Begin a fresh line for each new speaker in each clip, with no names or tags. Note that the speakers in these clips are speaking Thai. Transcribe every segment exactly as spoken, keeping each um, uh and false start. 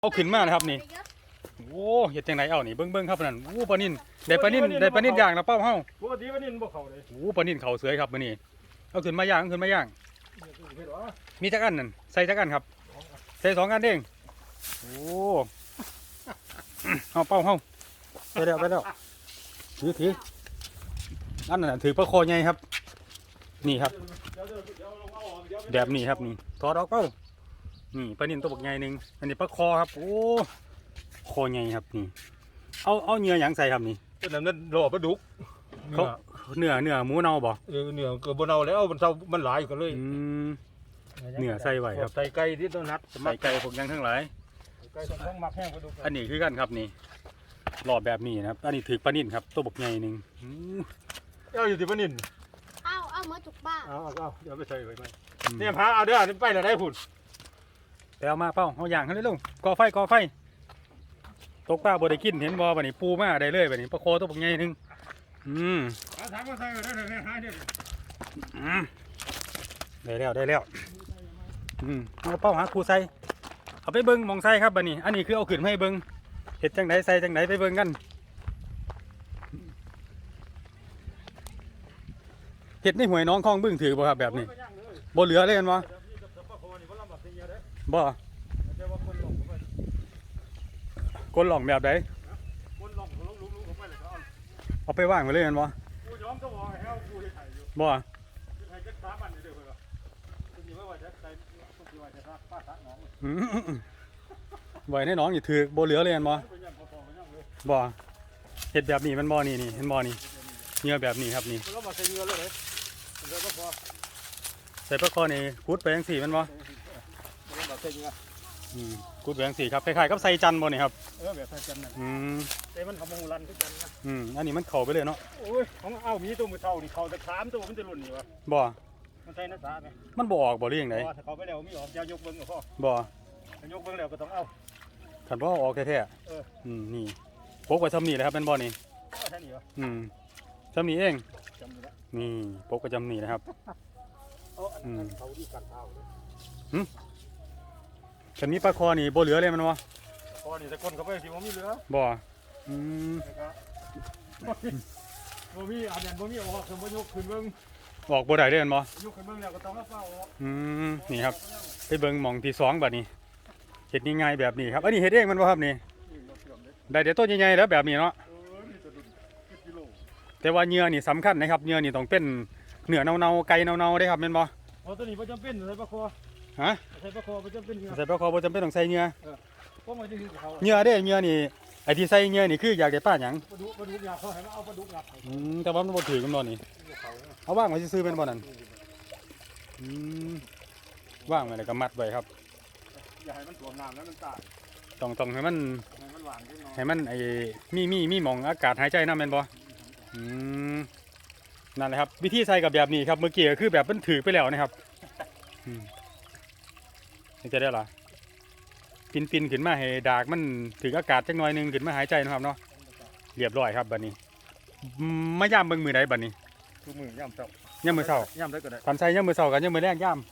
เอาขึ้นมานะครับนี่โอ้เห็ดจังไหนเอานี่เบิ้งเบิ้งครับนั่นโอ้ปลานิ่นได้ปลานิ่นได้ปลานิ่นย่างนะเป้าเฮา
ปกติปลานิ่นบ่เข้าเลย
โอ้ปลานิ่นเขาเสือครับมื้อนี้เอาขึ้นมาย่างเอาขึ้นมาย่างมีจักอันนั่นใส่จักอันครับใส่สองอันเองโอ้เอาเป้าเฮาไปแล้วไปแล้วถือถืออันนั้นถือปลาคอใหญ่ครับนี่ครับแบบนี้ครับนี่ถอดออกเป้านี่ปลานิ่นตัวบักใหญ่หนึ่งอันนี้ปลาคอครับโอ้คอใหญ่ครับนี่เอาเอาเนื้อหยังใส่ครับนี่
เป็นนั้นนั่นรอปลาดุก
เขาเนื้อเนื้อหมูเน่าบ่
เออเนื้อก็บ่เน่าแล้วมันเท่ามันหลายกันเลย
เนื้อใส่ไว้ครับ
ใส่ไก่ที่ต้นนัด
ใส่ไก่พวกยังทั้งหลาย
ไก่ต้องมักแห้งปลาดุก
อันนี้คือกันครับนี่หลอดแบบนี้นะครับอันนี้ถือปลานิ่นครับตัวบักใหญ่หนึ่ง
เอาอยู่ที่ปลานิ่น
เอาเอาเมื่อจุกบ้า
เอาเอาเดี๋ยวไปใส่ไว้ไหมเนี่ยพาเอาเด้อไปแล้วได้ผุด
ไปเอามาเป้าเอาอย่างให้เลยลุงก่อไฟก่อไฟตกปลาบ่ได้กินเห็นบ่บัดนี้ปูมาได้เลยบัดนี้ปลาโคตัวบักใหญ่นึงอืม
เอาถามว่าใส่ได้ได้หาเด้อ
อืมได้แล้วได้แล้วอืมเอาเป้าหาครูใส่เอาไปเบิ่งมองใส่ครับบัดนี้อันนี้คือเอาขึ้นให้เบิ่งเฮ็ดจังไดใส่จังไดไปเบิ่งกันเฮ็ดในห้วยน้องคลองบึ้งถือบ่ครับแบบนี้บ่เหลือเลยเห็นบ่บ่กลหล่องแบบไหนเอาไปว่างไปเลยกันบ่บ่ไหวในน้องอยู่ถือโบเหลือเลยกันบ่บ่เห็ดแบบนี้มันบ่นี่นี่เห็นบ่นี่เนื้อแบบนี้ครับนี่ใส่ปลาคอนี่คูดไปยังสี่มันบ่กูดแหวงสีครับคล้ายๆกับใส่จันบ่นี่ครับ
เออแบบใส่จันนั่น
อืม
แต่มันทำมูรันขึ้นจันนะ
อืมอันนี้มันเข่าไปเลยเนาะ
โอ้ยของเอามีตัวมือเท่านี่เข่าจะสามตัวมันจะหล่นอยู่วะ
บ่
มันใส่นักษาไหม
มันบ่ออกบ่หรือยังไง
บ่ถ้าเขาไปแล้วมีออกยายกเบิ้งกับพ่อ
บ่
ยกเบิ้งแล้วก็ต้องเอา
ขันบ่ออกแท้ๆเอออืมนี่พกไว้ซ้ำนี่แหละครับเป็นบ่นี่
แค่นี้วะ
อืมซ้ำนี่เองนี่พกไว้ซ้ำนี่นะครับ
อืมเขาดีกันเท้า
หืมฉันมีปลาคอนี่บ่เหลือเลยมันวะ
คอนี่แต่คนเขาไปสิว่ามีเหลือ
บ่อืม
บ่มีอันนั้นบ่มีออกสมบ่ยกขึ้นเบิ่ง
ออกบ่ได้เด้อมันบ่
ยกขึ้นเบิ่งแล้วก็ต้องเอาเป้าออก
อืมนี่ครับไปเบิ่งหม่องที่สองบัดนี้เฮ็ดง่ายๆแบบนี้ครับอันนี้เฮ็ดเองมันบ่ครับนี่ได้แต่ต้นใหญ่ๆแล้วแบบนี้เนาะแต่ว่าเนื้อนี่สำคัญนะครับเนื้อนี่ต้องเป็นเนื้อเน่าๆไก่เน่าๆได้ครับแม่นบ่
อ๋อตัวนี้บ่จำเป็นใส่ปลาคอ
ฮะ
ใส่ปลาคอบ่จำเป็น
ใส่ปลาคอบ่จำเป็นต้องใส่เนื้อ
พวกมันจะคือเขา
เนื้อเด้เนื้อนี่ไอ้ที่ใส่เนื้อนี่คืออยากได้ปลาหยัง
ปลาดุกปลาดุกอยากเขาให้มาเอาปลาดุกงับ
อืมแต่ว่ามันบ่ถือกันบ่นี่เอาว่างไว้ซื่อๆเป็นบ่นั่นอืมว่างไว้แล้วก็มัดไว้ครับ
อย่าให้มันท่วมน้ำแล้วมันตาย
ต้องต้องให้มัน
ให้มันหวานขึ้น
ให้มันไอ้มีมีมีหม่องอากาศหายใจนำแม่นบ่อืมนั่นแหละครับวิธีใส่กับแบบนี้ครับเมื่อกี้ก็คือแบบมันถือไปแล้วนะครับอืมจะได้ล่ะปินปินขึ้นมาให้ดากมันถึงอากาศจักหน่อยนึงขึ้นมาหายใจนะครับเนาะเรียบร้อยครับบัดนี้มาย่ามเบิ่งมือใดบัดนี้
คือมือย่ามเช้า
ย่ามมือเช้า
ย่ามได้ก็ได้
คันใส่ย่ามมือเช้ากันย่ามมือแรงย่าม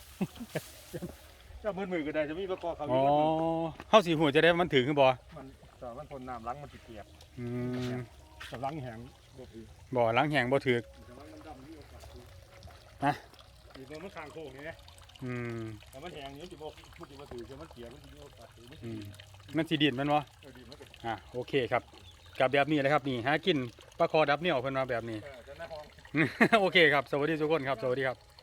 ย่ามมือมือก็ได้จะมีประกอบเขา
อ๋อเฮาสิฮู้จะได้มันถึงคือบ่
มันแต่มันทนน้ำล้างมันสิเปียก
อืม
แต่ล้างแห้งบ่ถือ
บ่ล้างแห้งบ่ถึกนะ
นี่มันข้างโค้งนี่นะ
อืม
แต่มันแห้งนี่สิบ่มันสิบ่ถือจะมันเปียกมันสิมีโอกาสถือมันสิ
มันสิดินมันบ่
เออดินมันก็
อ่ะโอเคครับกับแบบนี้เลยครับนี่หากินปลาคอดับเหนี่ยวเพิ่นว่าแบบนี้โอเคครับสวัสดีทุกคนครับสวัสดีครับ